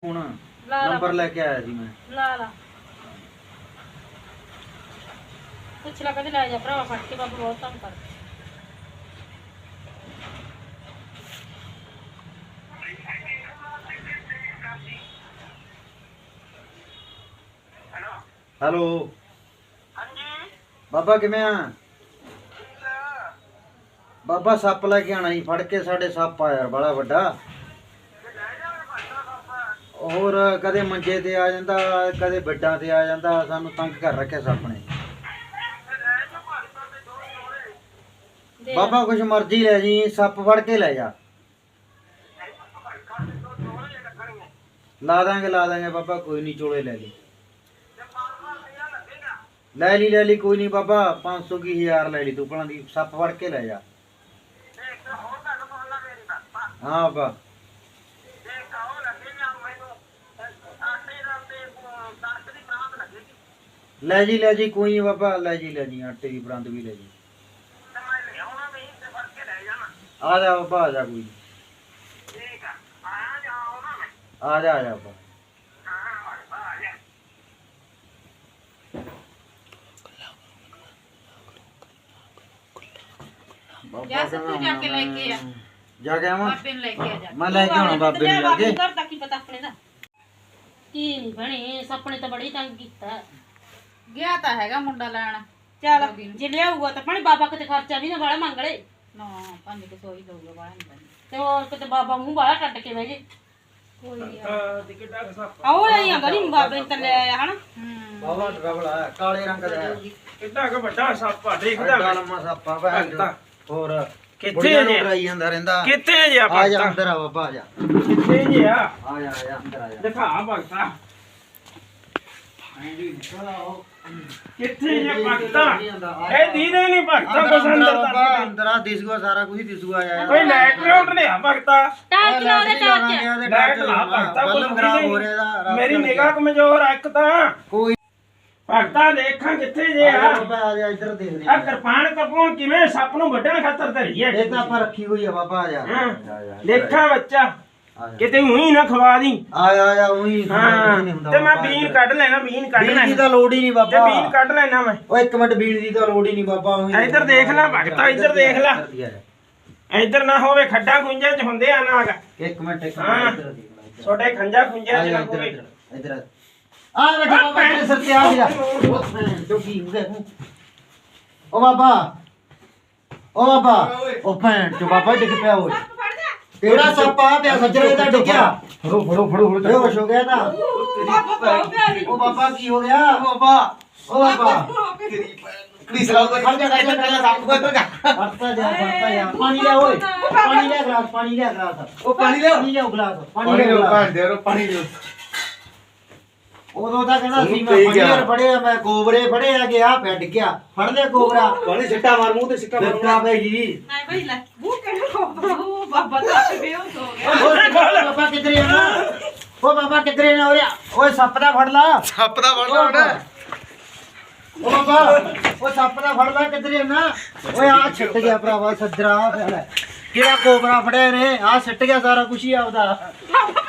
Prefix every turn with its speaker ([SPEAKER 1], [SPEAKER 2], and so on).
[SPEAKER 1] ਹੁਣ
[SPEAKER 2] ਲਾ
[SPEAKER 1] ਨੰਬਰ ਲੈ ਕੇ ਆਇਆ ਸੀ ਮੈਂ।
[SPEAKER 2] ਲਾ ਪੁੱਛ ਲਾ ਕਦੇ ਲੈ ਜਾ ਭਰਾਵਾ ਫੜ ਕੇ ਬਾਬਾ ਬਹੁਤ ਤੰਗ ਕਰ
[SPEAKER 1] ਹੈਲੋ
[SPEAKER 3] ਹਾਂਜੀ
[SPEAKER 1] ਬਾਬਾ ਕਿਵੇਂ ਆ? ਬਾਬਾ ਸੱਪ ਲੈ ਕੇ ਆਣਾ ਸੀ ਫੜ ਕੇ, ਸਾਡੇ ਸੱਪ ਆ ਯਾਰ ਬੜਾ ਵੱਡਾ। ਹੋਰ ਕਦੇ ਮੰਜੇ ਤੇ ਆ ਜਾਂਦਾ, ਕਦੇ ਬੈੱਡਾਂ ਤੇ ਆ ਜਾਂਦਾ, ਸਾਨੂੰ ਤੰਗ ਕਰ ਰੱਖਿਆ ਸੱਪ ਨੇ।
[SPEAKER 2] ਦੇ
[SPEAKER 1] ਬਾਬਾ ਕੁਛ ਮਰਜ਼ੀ ਲੈ ਜੀ, ਸੱਪ ਫੜ ਕੇ ਲੈ ਜਾ। ਲਾ ਦਾਂਗੇ ਬਾਬਾ, ਕੋਈ ਨਹੀਂ, ਚੋਲੇ ਲੈ ਲਈ। ਲੈ ਲਈ ਕੋਈ ਨਹੀਂ ਬਾਬਾ, 500 ਕੀ 1000 ਲੈ ਲਈ ਤੂੰ ਭਲਾਂ ਦੀ, ਸੱਪ ਫੜ ਕੇ ਲੈ ਜਾ। ਹਾਂ ਬਾਬਾ ਲੈ ਜੀ ਕੋਈ ਨਹੀਂ ਬਾਬਾ, ਲੈ ਜੀ ਆਟੇ ਦੀ ਬਰੰਦ ਵੀ ਲੈ ਜੀ। ਆ ਜਾ ਬਾਬਾ, ਆ ਜਾ ਕੋਈ ਨੀ। ਆ ਜਾ ਬਾਬਾ।
[SPEAKER 2] ਜਾ ਸੱਤੂ ਜਾ ਕੇ ਲੈ ਕੇ ਆ,
[SPEAKER 1] ਜਾ ਕੇ ਆਵਾਂ?
[SPEAKER 2] ਬਾਬੇ ਨੂੰ ਲੈ ਕੇ ਆ ਜਾ।
[SPEAKER 1] ਮੈਂ ਲੈ ਕੇ ਆਉਣਾ ਬਾਬੇ ਨੂੰ ਜਾ ਕੇ।
[SPEAKER 2] ਘਰ ਤੱਕ ਕੀ ਪਤਾ ਆਪਣੇ ਦਾ ਕੀ ਨਹੀਂ ਬਣੇ, ਸੱਪਣੇ ਤਾਂ ਬੜੀ ਤੰਗ ਕੀਤਾ।
[SPEAKER 4] ਗਿਆ ਤਾਂ ਹੈਗਾ ਮੁੰਡਾ ਲੈਣ।
[SPEAKER 2] ਚੱਲ ਜੇ ਲਿਆਊਗਾ ਤਾਂ ਪਾਣੀ ਬਾਬਾ ਕਿਤੇ ਖਰਚਾ ਵੀ ਨਾ ਵਾਲਾ ਮੰਗ ਲੈ।
[SPEAKER 4] ਨਾ 500 ਹੀ ਦਊਗਾ ਬਾਹਰ ਨਹੀਂ ਪੈਂਦਾ।
[SPEAKER 2] ਤੇ ਹੋਰ ਕਿਤੇ ਬਾਬਾ ਮੂੰਹ ਵਾਲਾ ਟੱਟ ਕੇ ਬਹਿ ਜੇ।
[SPEAKER 4] ਕੋਈ
[SPEAKER 2] ਆਓ ਲੈ ਆ ਗਲੀ ਬਾਬੇ ਨੇ ਤਾਂ ਲੈ ਆਇਆ ਹਨਾ।
[SPEAKER 1] ਬਾਬਾ ਡਰਵਲਾ ਕਾਲੇ ਰੰਗ ਦਾ ਹੈ।
[SPEAKER 3] ਕਿੱਡਾ ਕ ਵੱਡਾ ਸੱਪ ਆ,
[SPEAKER 1] ਐਡਾ
[SPEAKER 3] ਦੇਖਦਾ
[SPEAKER 1] ਲੰਮਾ ਸੱਪ ਆ ਭੈਣ ਚੋਦ। ਹੋਰ
[SPEAKER 3] ਕਿੱਥੇ
[SPEAKER 1] ਬੁੜੀਆਂ ਨੂੰ
[SPEAKER 3] ਜੇ?
[SPEAKER 1] ਡਰਾਈ ਜਾਂਦਾ ਰਹਿੰਦਾ।
[SPEAKER 3] ਕਿੱਥੇ ਜੇ
[SPEAKER 1] ਆ ਜਾ
[SPEAKER 3] ਭਗਤਾ?
[SPEAKER 1] ਅੰਦਰ ਆ ਬਾਬਾ, ਆ ਜਾ।
[SPEAKER 3] ਕਿੱਥੇ ਜੇ ਆ?
[SPEAKER 1] ਆ ਜਾ ਅੰਦਰ ਆ ਜਾ।
[SPEAKER 3] ਦਿਖਾ ਭਗਤਾ, ਕਿੱਥੇ ਜੇ ਭਗਤਾ? ਇਹ ਦੀਦੇ ਨਹੀਂ ਭਗਤਾ, ਕੁਛ ਅੰਦਰ
[SPEAKER 1] ਬਾਬਾ,
[SPEAKER 3] ਦੱਸ
[SPEAKER 1] ਅੰਦਰ ਆ ਦਿਸੂਗਾ, ਸਾਰਾ ਕੁਝ ਦਿਸੂਗਾ ਯਾਰ।
[SPEAKER 3] ਕੋਈ ਲਾਈਟ ਲੂਟ ਲਿਆ ਭਗਤਾ?
[SPEAKER 2] ਟਾਰਚ ਲਾ ਦੇ ਟਾਰਚ।
[SPEAKER 3] ਲਾਈਟ ਲਾ ਭਗਤਾ,
[SPEAKER 1] ਬੱਲਬ
[SPEAKER 3] ਕੁਛ
[SPEAKER 1] ਖਰਾਬ
[SPEAKER 3] ਦਿਖਦਾ
[SPEAKER 1] ਹੋ
[SPEAKER 3] ਹੀ
[SPEAKER 1] ਰਿਹਾ
[SPEAKER 3] ਨਹੀਂ।
[SPEAKER 1] ਇਹਦਾ।
[SPEAKER 3] ਮੇਰੀ ਨਿਗਾਹ ਕਮਜ਼ੋਰ ਆ ਇੱਕ ਤਾਂ।
[SPEAKER 1] ਕੋਈ
[SPEAKER 3] ਭਗਤਾ ਦੇਖਾਂ ਕਿੱਥੇ ਜੇ
[SPEAKER 1] ਆ ਜਾ
[SPEAKER 3] ਆ?
[SPEAKER 1] ਬਾਬਾ, ਆ ਜਾ ਇੱਧਰ ਦੇਖਦੇ
[SPEAKER 3] ਆ
[SPEAKER 1] ਆ।
[SPEAKER 3] ਕਿਰਪਾਨ ਕਪੂਨ ਕਿਵੇਂ ਸੱਪ ਨੂੰ ਵੱਢਣ ਖਾਤਰ ਧਰੀ ਹੈ?
[SPEAKER 1] ਇਹ ਤਾਂ ਆਪਾਂ ਰੱਖੀ ਹੋਈ ਆ ਬਾਬਾ, ਆ ਜਾ।
[SPEAKER 3] ਹਾਂ।
[SPEAKER 1] ਆ ਜਾ,
[SPEAKER 3] ਦੇਖਾਂ ਬੱਚਾ,
[SPEAKER 1] ਆ ਜਾ।
[SPEAKER 3] ਕਿਤੇ ਉਹੀ ਨਾ ਖਵਾ ਦੀ।
[SPEAKER 1] ਆ ਜਾ ਉਹੀ
[SPEAKER 3] ਹਾਂ
[SPEAKER 1] ਕੁਝ ਨਹੀਂ ਹੁੰਦਾ
[SPEAKER 3] ਤੇ ਮੈਂ
[SPEAKER 1] ਬਾਬਾ,
[SPEAKER 3] ਬੀਨ
[SPEAKER 1] ਇੱਧਰ।
[SPEAKER 3] ਕੱਢ ਲੈਣਾ, ਬੀਨ ਕੱਢ
[SPEAKER 1] ਬੀਨ ਦੀ
[SPEAKER 3] ਲੈਣਾ
[SPEAKER 1] ਤਾਂ ਲੋੜ ਹੀ ਨਹੀਂ
[SPEAKER 3] ਤੇ
[SPEAKER 1] ਬਾਬਾ।
[SPEAKER 3] ਬੀਨ ਕੱਢ ਲੈਣਾ ਮੈਂ।
[SPEAKER 1] ਓ ਇੱਕ ਮਿੰਟ, ਬੀਨ ਦੀ ਤਾਂ ਲੋੜ ਹੀ ਨਹੀਂ ਬਾਬਾ। ਉਹੀ
[SPEAKER 3] ਇੱਧਰ ਦੇਖ ਲੈ ਭਗਤਾ, ਇੱਧਰ ਦੇਖ ਲੈ। ਇੱਧਰ ਨਾ ਹੋਵੇ ਖੱਡਾ ਖੁੰਝਾਂ ਚ ਹੁੰਦੇ ਆ ਨਾਗ।
[SPEAKER 1] ਇੱਕ ਮਿੰਟ
[SPEAKER 3] ਹਾਂ।
[SPEAKER 1] ਇੱਧਰ ਦੇਖ ਲੈ, ਇੱਧਰ।
[SPEAKER 3] ਛੋਟੇ ਖੰਜਾ ਖੁੰਝਾਂ
[SPEAKER 1] ਆ
[SPEAKER 3] ਚ
[SPEAKER 1] ਜਾ
[SPEAKER 3] ਨਾ
[SPEAKER 1] ਇੱਧਰ,
[SPEAKER 3] ਹੋਵੇ।
[SPEAKER 1] ਇੱਧਰ ਆ ਬੈਠਾ ਬਾਬਾ, ਤੇਰੇ ਸਿਰ ਤੇ ਆ ਗਿਆ। ਜੋ ਕੀ ਹੋ ਗਿਆ? ਓ ਬਾਬਾ, ਓ ਭੈਣ ਚੋ ਬਾਬਾ ਡਿੱਗ ਪਿਆ ਓਏ। ਕਿਹੜਾ ਸੱਪ ਆ ਪਿਆ ਸੱਜਰੇ ਦਾ ਡਿੱਗਿਆ?
[SPEAKER 3] ਫੜੋ
[SPEAKER 1] ਬੇਹੋਸ਼ ਹੋ ਗਿਆ ਤਾਂ। ਓ ਬਾਬਾ ਕੀ ਹੋ ਗਿਆ? ਓ ਬਾਬਾ
[SPEAKER 5] ਕੜੀ ਸਲਾਮ ਦਾ ਖੜ ਜਾ ਸੱਪ ਕੋਲ ਜਾ।
[SPEAKER 1] ਵਰਤਾ ਜਾ ਪਾਣੀ ਲਿਆ ਓਏ, ਪਾਣੀ ਲਿਆ ਗਲਾਸ, ਪਾਣੀ ਲਿਆ ਗਲਾਸ।
[SPEAKER 5] ਉਹ ਪਾਣੀ ਲਿਆਓ।
[SPEAKER 1] ਪਾਣੀ ਲਿਆਓ ਗਲਾਸ,
[SPEAKER 5] ਪਾਣੀ
[SPEAKER 1] ਲਿਆਓ
[SPEAKER 5] ਲਿਓ
[SPEAKER 1] ਗਲਾਸ।
[SPEAKER 5] ਭੈਣ ਦੇ ਰੋ ਪਾਣੀ ਲਿਓ।
[SPEAKER 1] ਉਦੋਂ ਤਾਂ ਕਹਿੰਦਾ ਸੀ ਮੈਂ
[SPEAKER 5] ਪੀ ਗਿਆ।
[SPEAKER 1] ਫੜੀਆਂ ਫੜਿਆ, ਮੈਂ ਕੋਬਰੇ ਫੜੇ ਆ ਗਿਆ, ਬੈਠ ਗਿਆ। ਫੜ ਲਿਆ ਕੋਬਰਾ।
[SPEAKER 5] ਪਾਣੀ ਛਿੱਟਾ ਮਾਰ ਮੂੰਹ ਤੇ ਛਿੱਟਾ ਮਾਰ।
[SPEAKER 1] ਬਿਪਤਾ ਭਾਈ ਜੀ।
[SPEAKER 4] ਨਹੀਂ ਬਈ ਲੈ ਉਹ ਕਿਹੜਾ ਉਹ ਬਾਬਾ ਦਾ ਬੇਹੋਸ਼ ਹੋ ਗਿਆ।
[SPEAKER 1] ਬਾਬਾ ਕਿੱਧਰੇ ਆ ਨਾ? ਓ ਬਾਬਾ ਕਿੱਧਰੇ ਨਾ ਹੋ ਰਿਹਾ? ਓਏ ਸੱਪ ਦਾ ਫੜ ਲਾ।
[SPEAKER 5] ਸੱਪ ਦਾ ਫੜ ਲਾ ਹੁਣ।
[SPEAKER 1] ਓ ਬਾਬਾ, ਓ ਸੱਪ ਦਾ ਫੜ ਲਾ, ਕਿੱਧਰੇ ਨਾ? ਓਏ ਆ ਛਿੱਟ ਗਿਆ ਭਰਾਵਾ, ਸੱਜਰਾ ਕਿਹੜਾ ਕੋਬਰਾ ਫੜਿਆ ਨੇ? ਆ ਛਿੱਟ ਗਿਆ ਸਾਰਾ ਕੁਝ ਹੀ ਆਪਦਾ।